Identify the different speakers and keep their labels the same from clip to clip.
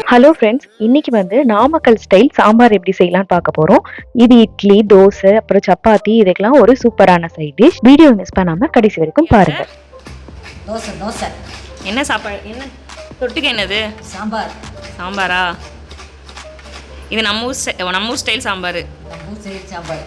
Speaker 1: Hello friends, இன்னைக்கு Namakkal style sambar எப்படி செய்யலாம்னு பார்க்க போறோம். இது இட்லி, தோசை, அப்புறம் சப்பாத்தி இதுக்கெல்லாம் ஒரு சூப்பரான சைட் டிஷ். வீடியோ மிஸ் பண்ணாம கடைசி வரைக்கும் பாருங்க.
Speaker 2: தோசை தோசை
Speaker 3: என்ன சாப்பாடு? என்ன தொட்டுக்க? என்னது?
Speaker 2: சாம்பார்.
Speaker 3: சாம்பாரா? இது நம்ம ஊர் ஸ்டைல் சாம்பார்.
Speaker 2: நம்ம ஊர் ஸ்டைல் சாம்பார்.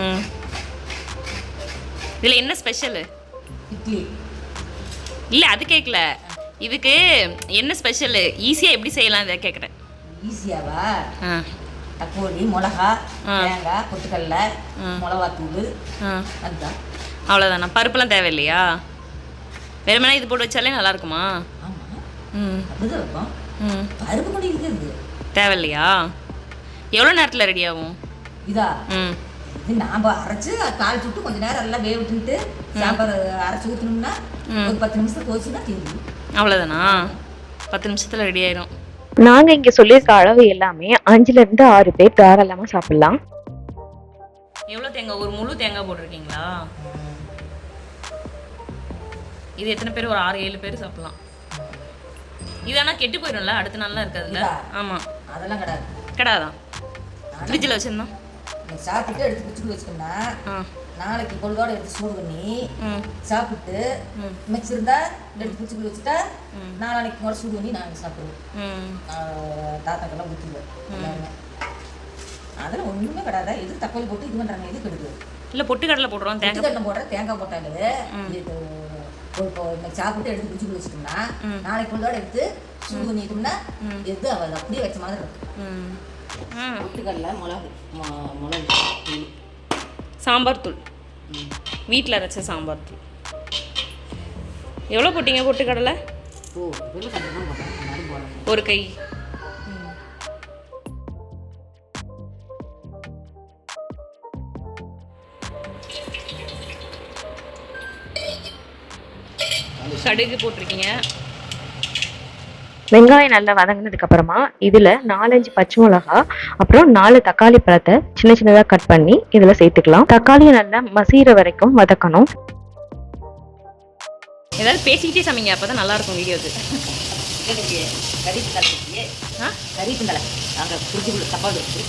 Speaker 3: இதில் என்ன ஸ்பெஷலு?
Speaker 2: இட்லி
Speaker 3: இல்லை, அது கேட்கல. இதுக்கு என்ன ஸ்பெஷலு? ஈஸியாக எப்படி செய்யலாம் இதை கேட்குறேன்.
Speaker 2: ஈஸியாவா? தக்காளி, மிளகா, தேங்காய், பொட்டுக்கடலை, மிளகாத்தூள், அதுதான்.
Speaker 3: அவ்வளோதானா? பருப்புலாம் தேவையில்லையா? வெறுமனே இது போட்டு வச்சாலே நல்லா இருக்குமா?
Speaker 2: ஆமாம், அப்படிதான் இருக்கும். பருப்பு கூட இருக்குது.
Speaker 3: தேவையில்லையா? எவ்வளோ நேரத்தில் ரெடி ஆகும்
Speaker 2: இதா? இது நாம் அரைச்சி தாளிச்சு விட்டு கொஞ்சம் நேரம் எல்லாம் வேக விட்டுட்டு சாம்பார் அரைச்சி ஊற்றணும்னா ஒரு 10 நிமிஷம் தோச்சுன்னா தீர்ந்து.
Speaker 3: அவ்வளோதானா? 10 நிமிஷத்தில் ரெடி ஆயிடும்.
Speaker 1: நாங்கள் இங்கே சொல்லியிருக்க அளவு எல்லாமே 5லேருந்து 6 பேர் தாராளமாக சாப்பிட்லாம்.
Speaker 3: எவ்வளோ தேங்காய்? ஒரு முழு தேங்காய் போட்டிருக்கீங்களா? இது எத்தனை பேர்? ஒரு 6-7 பேர் சாப்பிட்லாம். இது ஆனால் கெட்டு போயிடும்ல, அடுத்த நாள்லாம் இருக்காதுல்ல? ஆமாம்,
Speaker 2: அதெல்லாம் கிடையாது.
Speaker 3: கிடையாதான்? ஃப்ரிட்ஜில் வச்சுருந்தோம்.
Speaker 2: சாப்பிட்டு எடுத்து பிடிச்சிட்டு வச்சுக்கோன்னா நாளைக்கு பொழுதோட எடுத்து சூடு பண்ணி சாப்பிட்டு மிச்சிருந்தா எடுத்து பிடிச்சிட்டு வச்சுட்டா நாளைக்கு கூட சூடு பண்ணி நாங்கள் சாப்பிடுவோம். தாத்தாக்கெல்லாம் ஊற்றுவோம் எல்லாருமே. அதெல்லாம் ஒன்றுமே கிடையாது. எது தக்காளி போட்டு இது பண்ணுறாங்க, எது கெடுது
Speaker 3: இல்லை. பொட்டுக்கடலை போடுறோம்,
Speaker 2: பொட்டுக்கடலை போடுற தேங்காய் போட்டாலே இப்போ இன்னைக்கு சாப்பிட்டு எடுத்து பிடிச்சிட்டு வச்சுட்டோம்னா நாளைக்கு பொழுதோட எடுத்து சூடு பண்ணிட்டோம்னா எது அவள் அப்படியே வச்ச மாதிரி இருக்கும். பொட்டுக்கடலை, மிளகு தூள்,
Speaker 3: சாம்பார் தூள், வீட்டில் அரைச்ச சாம்பார் தூள். எவ்வளோ போட்டீங்க பொட்டுக்கடலை? ஒரு கை. கடுகு போட்டிருக்கீங்க.
Speaker 1: வெங்காயம் நல்லா வதங்கினதுக்கு அப்புறமா இதுல 4-5 பச்சை மிளகா, அப்புறம் 4 தக்காளி பழத்தை சின்ன சின்னதா கட் பண்ணி இதுல சேர்த்துக்கலாம். தக்காளியை நல்லா மசீர வரைக்கும் வதக்கணும்.
Speaker 3: ஏதாவது பேசிக்கிட்டே சமைங்க, அப்பதான் நல்லா இருக்கும் வீடியோக்கு.
Speaker 2: கறிப்பிந்தலை நாங்கள் ஃப்ரிட்ஜுக்குள்ள தப்பாடு வச்சு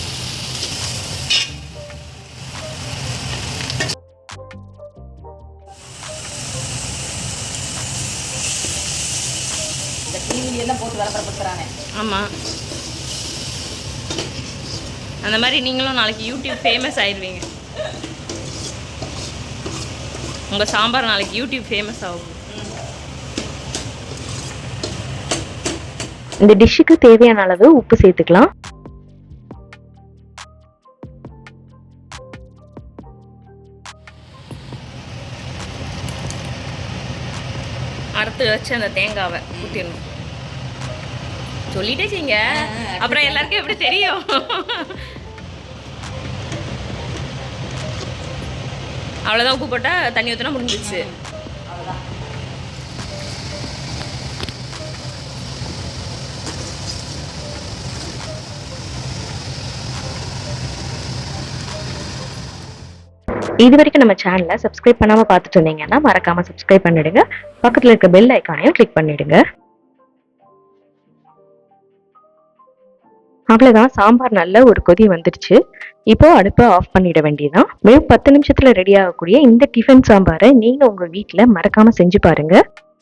Speaker 2: இந்த டிவிலாம் போட்டு விளம்பரப்படுத்துறானே.
Speaker 3: ஆமாம், அந்த மாதிரி நீங்களும் நாளைக்கு யூடியூப் ஃபேமஸ் ஆயிடுவீங்க. உங்கள் சாம்பார் நாளைக்கு யூடியூப் ஃபேமஸ் ஆகும்.
Speaker 1: இந்த டிஷ்ஷுக்கு தேவையான அளவு உப்பு சேர்த்துக்கலாம்.
Speaker 3: அறுத்து வச்சு அந்த தேங்காவை ஊற்றிடணும். சொல்லிட்டே செய்யுங்க, அப்புறம் எல்லாருக்கும் எப்படி தெரியும்? அவ்வளோதான். உப்பு போட்டால் தண்ணி ஊற்றினா முடிஞ்சிச்சு.
Speaker 1: இது வரைக்கும் நம்ம சேனலை சப்ஸ்கிரைப் பண்ணாம பார்த்துட்டு இருந்தீங்கன்னா மறக்காம சப்ஸ்கிரைப் பண்ணிடுங்க. பக்கத்துல இருக்க பெல் ஐக்கானையும் கிளிக் பண்ணிடுங்க. அவ்வளவுதான், சாம்பார் நல்ல ஒரு கொதி வந்துடுச்சு. இப்போ அடுப்பை ஆஃப் பண்ணிட வேண்டியதான். வெறும் 10 நிமிஷத்துல ரெடி ஆகக்கூடிய இந்த டிஃபன் சாம்பாரை நீங்க உங்க வீட்டுல மறக்காம செஞ்சு பாருங்க.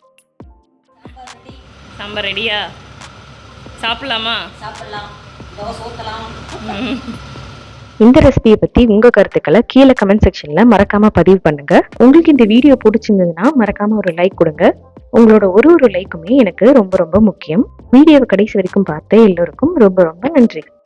Speaker 3: சாம்பார் ரெடியா? சாப்பிடலாமா?
Speaker 2: சாப்பிடலாம், தோசை ஊற்றலாம்.
Speaker 1: இந்த ரெசிபியை பத்தி உங்க கருத்துக்களை கீழே கமெண்ட் செக்ஷன்ல மறக்காம பதிவு பண்ணுங்க. உங்களுக்கு இந்த வீடியோ பிடிச்சிருந்ததுன்னா மறக்காம ஒரு லைக் கொடுங்க. உங்களோட ஒரு லைக்குமே எனக்கு ரொம்ப ரொம்ப முக்கியம். வீடியோவை கடைசி வரைக்கும் பார்த்த எல்லோருக்கும் ரொம்ப ரொம்ப நன்றி.